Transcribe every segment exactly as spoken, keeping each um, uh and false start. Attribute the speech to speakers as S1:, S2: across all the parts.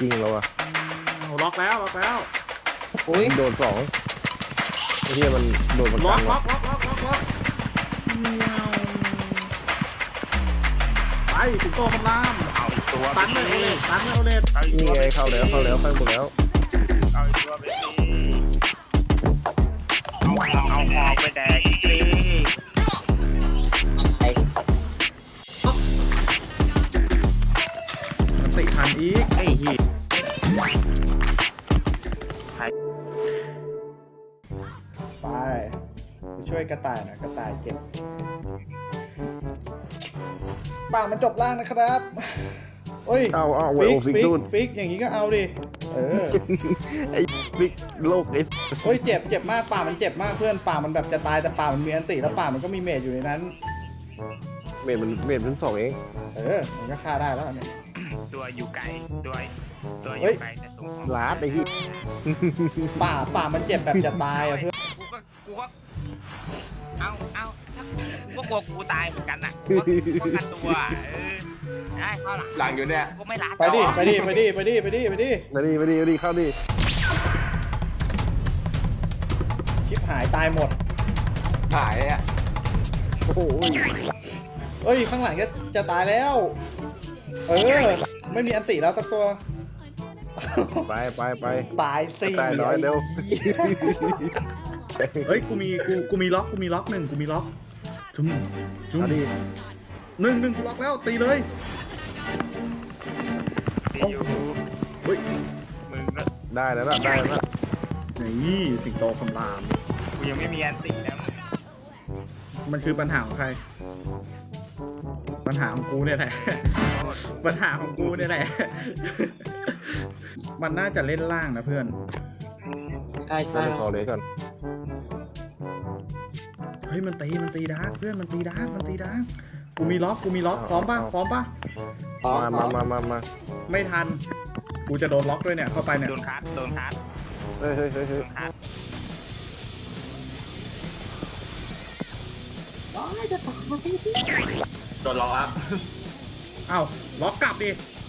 S1: จริงแล้วอ่ะ
S2: ล็อกแล้วล็อกแล้ว
S1: โอ้ยโดนสองไอ้เหี้ยมันโดนมัน
S2: ล็
S1: กั
S2: อก
S1: น
S2: ล็อ
S1: วะ
S2: กล็อกล็อกล็อกล็อกไปถึงโตคำรามเอาตัวตันเลยโอเลตตันเลยโอเลต
S1: นี่ไงเข้าแล้วเข้าแล้วเข้าหมดแล้ว
S3: เอาตัวไปสิเอาเอาหอกไปแดกอีกที
S2: มันติทันอีกไอ้เหี้ยไปไปช่วยกระต่ายหน่อยกระต่ายเก็บป่ามันจบล่างนะครับโอ้ย
S1: เอาเอาไว
S2: ฟิ
S1: โอก ฟิก
S2: ฟิก
S1: นู่น
S2: ฟิกอย่างนี้ก็เอาดิเออ
S1: ไอ้ฟิกโลกไอ้
S2: โอ้ยเจ็บเจ็บมากป่ามันเจ็บมากเพื่อนป่ามันแบบจะตายแต่ป่ามันมีอันติแล้วป่ามันก็มีเมจอยู่ในนั้น
S1: เมดมันเมดทั้งสองเอง
S2: เออมันก็ฆ่าได้แล้วเนี่ย
S3: ตัวอยู่ไกลตัวตัวอยู่ไกลแต่ตรง
S1: ลาดไอ้ที่
S2: ป่าป่ามันเจ็บแบบจะตายอ่ะเพื่อน
S3: กูก็กูก็เอาเอากูก็กลัวกูตายเหมือนกันน่ะกูก็กันตัวเออได้เข้าหลัง
S4: หลังอยู่เนี่ย
S3: กูไม่รัด
S2: ไปดิไปดิไปดิไปดิไปดิไปดิ
S1: มาดิมาดิมาดิเข้าดิ
S2: ชิบหายตายหมด
S4: หายอ่ะ
S1: โอ้โห
S2: เอ้ยข้างหลังจะจะตายแล้วเออไม่มีอันติแล้วสักตัว
S1: ไปไปไป
S2: ตายสี่
S1: ตายน้อยเร็ว
S2: เฮ้ยกูมีกูกูมีล็อกกูมีล็อกหนึ่งกูมีล็อกจุ๊มจุ๊ม
S1: ดิ
S2: หนึ่งหนึ่งกูล็อกแล้วตีเลย
S3: ตีอยู่
S2: เฮ้ย
S3: มึงก็
S1: ได้แล้วนะได้แล้วนะ
S2: นี่สิงโตคำราม
S3: กูยังไม่มีอันตินะ
S2: มันคือปัญหาของใครปัญหาของกูเนี่ยแหละปัญหาของกูเนี่ยแหละมันน่าจะเล่นล่างนะเพื่อน
S4: ใช่ใช่
S1: ขอเลยก่อน
S2: เฮ้ยมันตีมันตีดาร์กเพื่อนมันตีดาร์กมันตีดาร์กกูมีล็อกกูมีล็อกพร้อมป่ะพร้อมป่ะ
S1: มามามามามา
S2: ไม่ทันกูจะโดนล็อกด้วยเนี่ยเข้าไปเนี่ย
S3: โดนคัดโดนคัด
S1: เฮ้ยเฮ้ยเฮ้ยเฮ้ย
S4: โดนล็อกอ่ะ
S2: อ้าวล็อกกลับดิ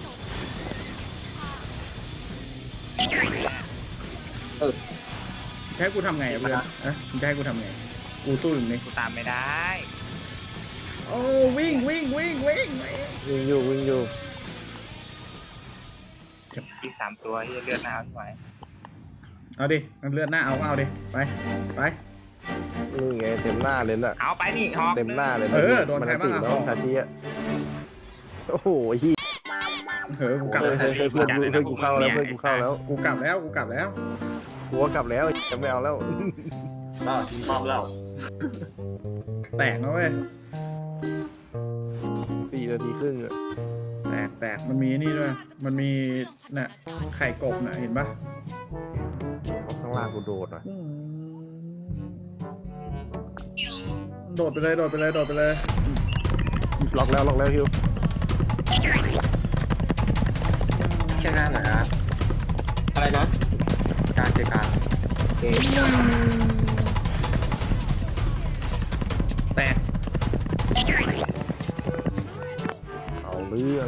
S2: เออแค่กูทำไงเพื่อนเอ๊ะแค่กูทำไงกูสู้อยู่นี่
S3: กูตามไม่ได้
S2: โอ้วิ่งวิ่งวิ่งวิ่ง
S1: วิ่งอยู่วิ่งอยู่
S3: อีกสามตัวที่เลือดหน้าเอาไว้
S2: เอาดิมันเลือดหน้าเอาเอาดิไปไป
S1: นี่ไงเต็มหน้าเลยน่ะ
S3: เอาไปนี่ฮอ
S1: เต็มหน้าเลย
S2: เออโดนใครบ้างอ่ะ
S1: ทาทีอ่ะโอ้โหฮี
S2: เฮ้ยกูกลับ
S1: เฮ้ยเพื่อนเพื่อนกูเข้าแล้วเพื่อนกูเข้าแล้ว
S2: กูกลับแล้วกูกลับแล้ว
S1: กูกลับแล้วจะไม่เอาแล้ว
S4: น่าทิ้งป้อมแล้ว
S2: แตกนะเว้ย
S1: สี่นาทีครึ่งอะ
S2: แตกแตกมันมีนี่ด้วยมันมีน่ะไข่กบน่ะเห็นปะ
S1: ข้างล่างกูโดดอ่ะ
S2: โดดไปเลยโดดไปเลยโดดไปเลย
S1: ล็อกแล้วล็อกแล้วฮิว
S4: แค่นั้นเหรอครับอะไรนะการเจอการ
S2: แตก
S1: เอาเรื่อง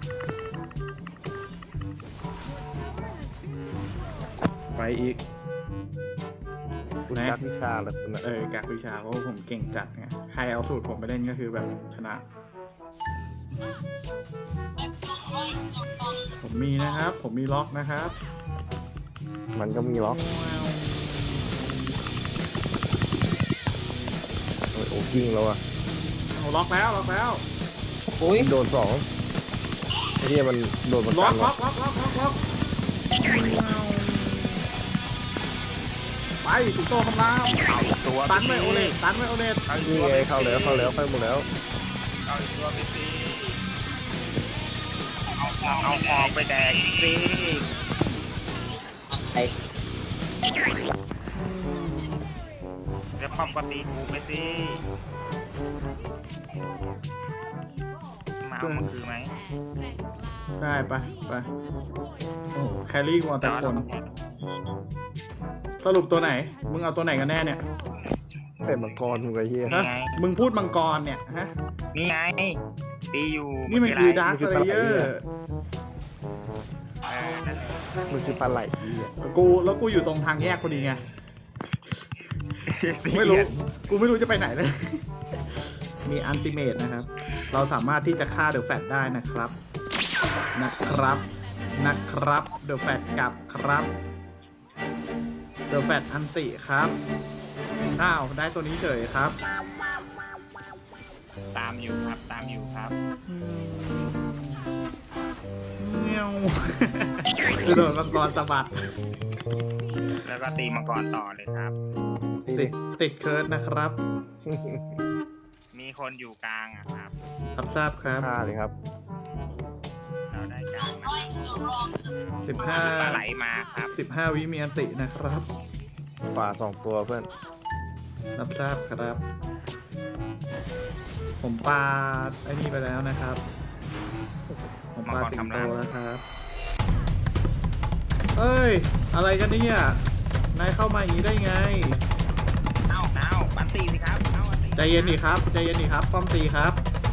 S2: ไปอีก
S1: คุณกักวิชาแล้วคุณ
S2: เออกักวิชาเพราะผมเก่งจัดไงใครเอาสูตรผมไปเล่นก็คือแบบชนะผมมีนะครับผมมีล็อกนะครับ
S1: มันก็มีล็อกโอ้กิ้งแล้วอ่ะ
S2: เอาล็อกแล้วล็อกแล้ว
S1: โอ้ยโดนสองไอ้ที่มันโดนมัน
S2: ล็อ
S1: กัน
S2: กล็อกล็อกล็อกล็อกล็อกไปสิงโตคำราม
S3: ตัว
S2: ตันไว้โอเลตตันไว้โอเลต
S1: นี่ไงเข้าแล้วเข้าแล้วเข้าหมดแล้ว
S3: เอาตัวไปสิเอาเอาหอกไปแดกอีกที
S4: ไอ้
S3: จะป้อมปฏิกูไปสิมาเอามันคือไหม
S2: ได้ไปไปโอ้แครี่วอลแต่คนสรุปตัวไหนมึงเอาตัวไหนกันแน่เนี่ย
S1: แต่มังกรมึงไอ้เหี้ย
S2: ฮะมึงพูดมังกรเนี่ยฮะ
S3: นี่ไงตีอยู่
S2: นี่มันคือดาร์คเลเยอร์
S3: เออนั่นแหละ
S1: มันคือปลาไหลที่อ่ะ
S2: กูแล้วกูอยู่ตรงทางแยกพอดีไงไม่รู้กูไม่รู้จะไปไหนเลย มีอันติเมตนะครับ เราสามารถที่จะฆ่าเดอะแฟตได้นะครับนะครับนะครับเดอะแฟตกลับครับเดอะแฟตอันติครับอ้าวได้ตัวนี้เฉยครับ
S3: ตามอยู่ครับตามอยู่ครับ
S2: เงี้ยว คือโดนมังกรสะบัด
S3: แล้วก็ตีมังกรต่อเลยครับ
S2: ติดติดเคิร์ดนะครับ
S3: มีคนอยู่กลางอะครับ
S2: รับทราบครับ
S1: ฆ่าเลยครับ
S3: เราได้กลางนะ
S2: สิบห้า
S3: ปลาไหลมาครับ
S2: สิบห้าวิมีอันตินะครับ
S1: ป่าสองตัวเพื่อน
S2: รับทราบครับ ผมปาไอ้นี่ไปแล้วนะครับ ผมปาสิงโตแล้วครับ เอ้ย อะไรกันเนี่ยนายเข้ามาอย่างนี้ได้ไง
S3: เอ้าเอ้าปันตีสิครับเอ้าปันตี
S2: ใจเย็นดิครับ ใจเย็นดิครับ ป้อมตีครับ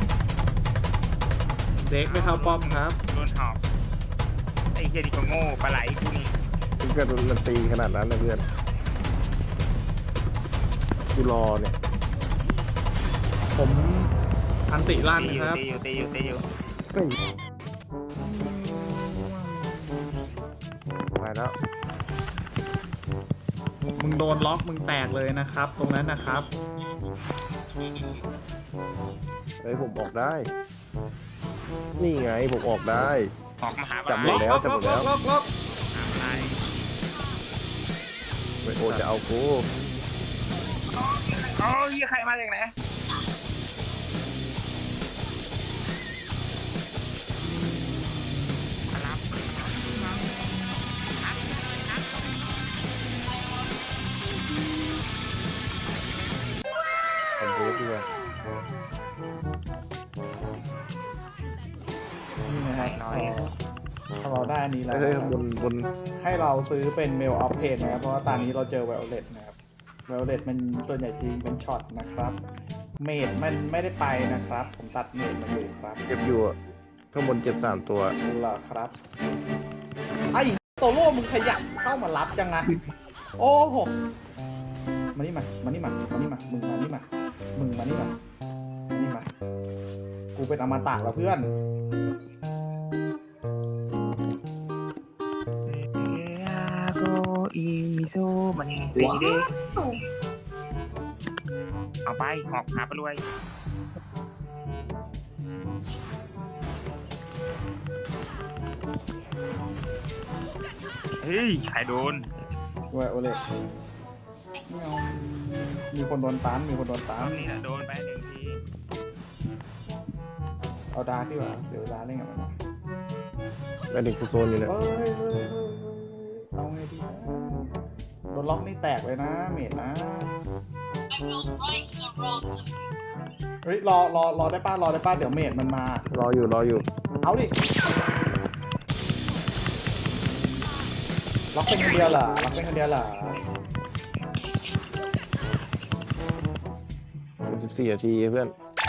S2: เด็กไม่เข้าป้อมครับ
S3: โดนหอบไอ้เฮียดิโกโง่ปลาไหลกูนี่
S1: ถึงกระโดนตีขนาดนั้นนะเพื่อนกูรอเนี่ย
S2: ผมอันติลั่น
S3: ตีอ
S2: นะ
S3: ยู่
S2: ครับ
S3: ตีอยู่ตีอยู่ตีอยู่
S1: เฮ้ยไปแล้ว
S2: มึงโดนล็อกมึงแตกเลยนะครับ ตรงนั้นนะครับ
S1: เฮ้ยผมออกได้ นี่ไงผมออกได้
S3: ออกมาหาป
S1: จั
S3: ลา
S1: บ
S3: ไห
S1: หม
S3: ล
S1: ดแล้ว
S2: ล็อกล็อกล็อกล็อก
S3: หาปลาไหล
S1: เฮ้ยโอจะเอากู
S3: โอ้ยใครมาจากไหนมารับ
S1: ผมเวฟด้วย
S2: นี่นะฮะ
S3: น้อย
S2: ถ้าเราได้อันนี้แล้ว
S1: เฮ้ย
S2: นะครับ
S1: บนบน
S2: ให้เราซื้อเป็นเมลออฟเพนนะครับ เพราะว่าตอนนี้เราเจอไวโอเลตนะครับไวโอเลตมันส่วนใหญ่ทีเป็นช็อตนะครับ เมดมันไม่ได้ไปนะครับ ผมตัดเมดมาอยู่ครับ
S1: เจ็บอยู่อะข้างบนเจ็บสามตัว
S2: เหรอครับ ไอ้โตโร่มึงขยับเข้ามารับจังอะโอ้โหมานี่มา มานี่มา มานี่มา มึงมานี่มา มึงมานี่มา มานี่มา กูเป็นอมตะแล้วเพื่อน
S3: โกอีโซมันดีเด้เอาไปหอกหาปลารวยเฮ้ยใครโดน
S2: ไวโอเลตมีคนโดนตันมีคนโดนตั
S3: ตอน นนี้นะโดนไปหนึ่งที
S2: เอาดาร์กดีกว่าเสียเวลาเล่นกับมันนะ
S1: แม่เด็กกูโซนอยู่เนี่ย
S2: เฮ้ยเฮ้ยเฮ้ยเฮ้ยเอาไงดีนะโดนล็อกนี่แตกเลยนะ เมดนะ เฮ้ย รอรอรอได้ป้ารอได้ป้าเดี๋ยวเมดมันมา
S1: รออยู่รออยู่
S2: เอาดิ ล็อกเป็นคนเดียวเหรอ ล็อกเป็นคนเดียวเหรอ
S1: สิบสี่นาทีเพื่อน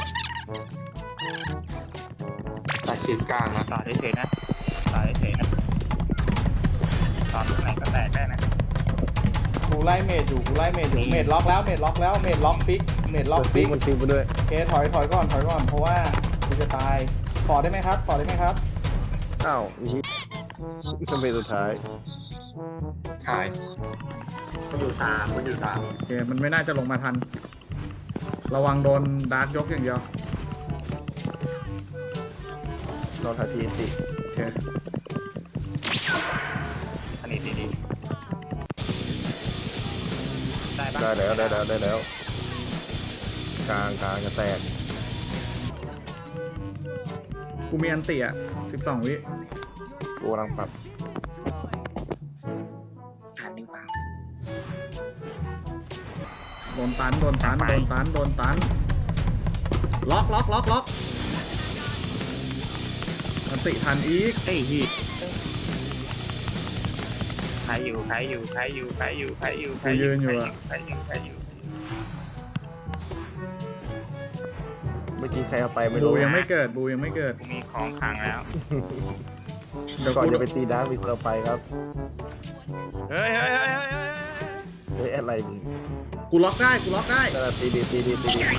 S4: จากขีดกลางนะ
S3: ต่อเฉยๆนะต่อเฉยๆนะต่อตรงไหนก็แตกได้นะ
S2: กูไล่เมดอยู่ กูไล่เมดอยู่ เมดล็อกแล้ว เมดล็อกแล้ว เมดล็อกฟิก เมดล็อกฟิก
S1: มันฟิกไปด้วย
S2: โอเคถอยถอยก่อนถอยก่อน เพราะว่ากูจะตายขอได้ไหมครับขอได้ไหมครับ
S1: อ้าวอีทำไมสุดท้าย
S4: หายมันอยู่สามมันอยู่สาม
S2: โอเค มันไม่น่าจะลงมาทัน ระวังโดนดาร์กยกอย่างเดียว
S1: รอทันทีสิ
S2: โอเค
S3: อันนี้ดีๆได้ปะ
S1: ได้แล้วได้แล้วได้แล้ว กลางกลางจะแตก
S2: กูมีอันเตียสิบสองวิ
S1: กูกำลังปรับ
S3: ทันหรือเปล่า
S2: โดนตัน โดนตัน โดนตัน โดนตัน ล็อกล็อกล็อกล็อกอันติทันอีก
S3: เฮ้ยฮีใครอยู่ใครอยู่ใครอยู่ใครอยู่ใครอยู่ใครอยู่ใครอยู่ใครอยู่ใครอยู่
S1: เมื่อกี้ใครเอาไปไม่
S2: บู
S1: รู้
S2: ยังไม่เกิด บูยังไม่เกิด
S3: กูมีของขังแล้ว
S2: เดี๋ยว
S1: ก่อน
S2: กู
S1: จะไปตีดาร์กมีเซอร์ไพรส์ครับ
S3: เฮ้ยเฮ้ยเฮ้ยเฮ้ยเฮ้ย
S1: เฮ้ยอะไรมึง
S2: กูล็อกได้กูล็อกได้
S1: นั่นแหละตีดีตีดีตีดี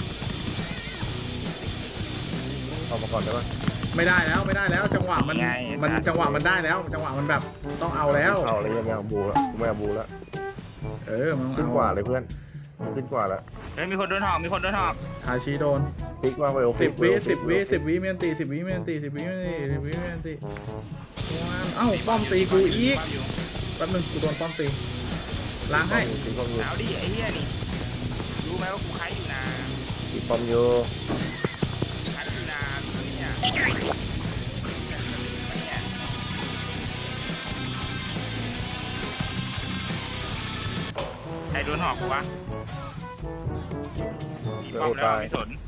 S1: ออกมาก่อนได้ปะ
S2: ไม่ได้แล้วไม่ได้แล้ว จังหวะมันมันจังหวะมันได้แล้ว จังหวะมันแบบต้องเอาแล้ว
S1: เอาเลยยังไม่เอาบูแล้วกูไม่เอาบูแล้ว
S2: เออมัน
S1: ขึ้น
S2: เอา
S1: กว่าเลยเพื่อนขึ้นกว่าแล้ว
S3: เฮ้ยมีคนโดนหอกมีคนโดนหอก
S2: ทาชิโดน
S1: พลิกว่าไปโอ
S2: สิบวิ
S1: เวล
S2: สิบวิสิบวิเมียนตีสิบวิเมียนตีสิบวิเมียนตีสิบวิเมียนตีวันเอ้าป้อมตีกูอีกแป๊บนึงกูโดนป้อมตีล้างให้
S1: ตีป้อมอยู่
S3: เอาดิไอ้เหี้ยนี่รู้ไหมว่ากูใครอยู่นะ
S1: ตีป้อมอยู่
S3: ใครอยู่นะเนี่ยใครโดนหอกกูวะมีป้อมแล้วไม่สน